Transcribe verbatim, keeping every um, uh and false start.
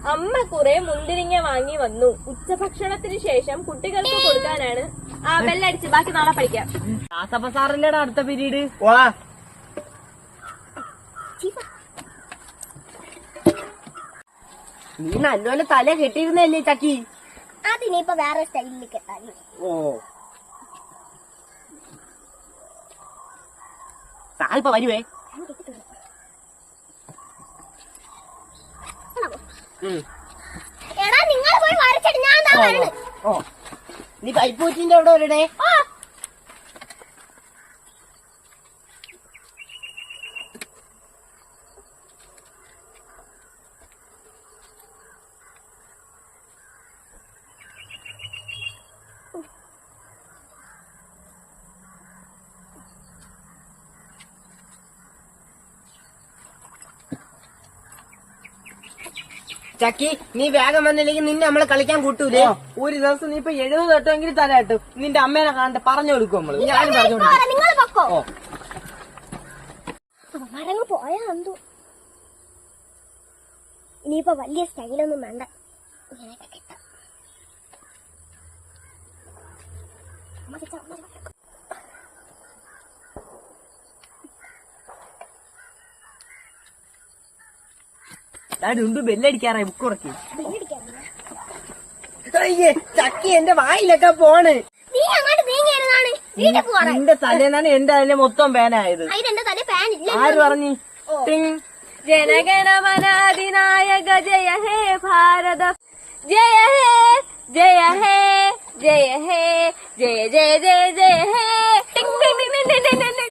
അമ്മ കുറെ മുന്തിരിങ്ങ വാങ്ങി വന്നു. ഉച്ചഭക്ഷണത്തിന് ശേഷം കുട്ടികൾക്ക് കൊടുക്കാനാണ്. ആ ബെല്ലടിച്ച് ബാക്കി നാളെ പഠിക്കാം. ദാസപ്പ സാറിന്റെ അടുത്ത പീരീഡ്. വാ നീ നല്ലോലെ തല കെട്ടിയിരുന്നല്ലേ ചക്കി? അതിനിപ്പോ വേറെ സ്റ്റൈലിൽ കെട്ടാൻ. ഓ സാറിപ്പ വരുവേ. എടാ നിങ്ങൾ പോയി വരച്ചിട്ട് ഞാൻ എന്താ വരണേ? ഓ നീ പൈപ്പൂറ്റിന്റെ അവിടെ വരണേ. ചക്കി നീ വേഗം വന്നില്ലെങ്കിൽ നിന്നെ നമ്മളെ കളിക്കാൻ കൂട്ടൂലേ? ഒരു ദിവസം നീ ഇപ്പൊ എഴുപത് തൊട്ടെങ്കിൽ തല കെട്ടും. നിന്റെ അമ്മേനെ കാണട്ടെ, പറഞ്ഞു കൊടുക്കും നമ്മള്. ഞാനും പറഞ്ഞു കൊടുക്കും. നിങ്ങൾ പൊക്കോ. ഓ മരങ്ങ് പോയാ എന്തോ. ഇനിയിപ്പോ വലിയ സ്റ്റൈലൊന്നും വേണ്ട, ഇങ്ങനെയൊക്കെ കെട്ടാം. ഉണ്ട് ബെല്ലടിക്കാറായി. ബുക്ക് ഉറക്കി. അയ്യേ ചക്കി എന്റെ വായിലൊക്കെ പോണ്. നീ അങ്ങോട്ട് നീങ്ങിയിരുന്നാണ് വീട്ടിൽ പോവാണ്. നിന്റെ തലേന്നാണ് എന്റെ അതിലെ മൊത്തം പേനായത്. അതിന്റെ തല പാൻ ഇല്ല. ആര് പറഞ്ഞു? ജനഗണമനാധിനായക ജയ ഹേ ഭാരത ജയ ഹേ ജയ ഹേ ജയ ഹേ ജയ ജയ ജയ ജയ ഹേ.